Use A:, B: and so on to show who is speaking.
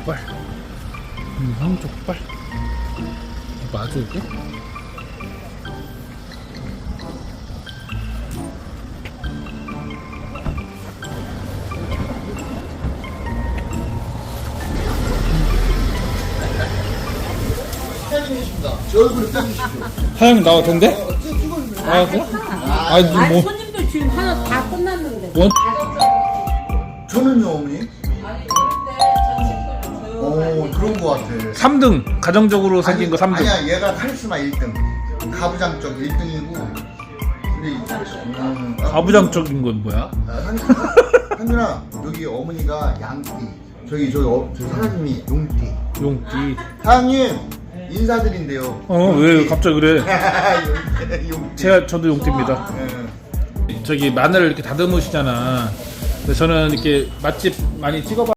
A: 족발. 족발. 맞아 이게?
B: 제 얼굴을 떼주십시오.
A: 사장님 나와도 된대? 아 그래? 아니
C: 아니
A: 뭐
C: 손님들 지금 하나 다 끝났는데.
A: 원?
B: 저는요, 어머니?
C: 아니 그런데
B: 오, 그런 거 같아.
A: 3등 가정적으로 생긴 거 3등.
B: 아니야, 얘가 카리스마 1등. 가부장 쪽 1등이고. 근데,
A: 가부장적인 건 뭐야?
B: 한준아, 여기 어머니가 양띠. 저기 사장님이 용띠.
A: 용띠.
B: 사장님, 인사드린대요.
A: 왜 갑자기 그래?
B: 용띠.
A: 저도 용띠입니다.
B: 예.
A: 저기 마늘을 이렇게 다듬으시잖아. 근데 저는 이렇게 맛집 많이 찍어봐.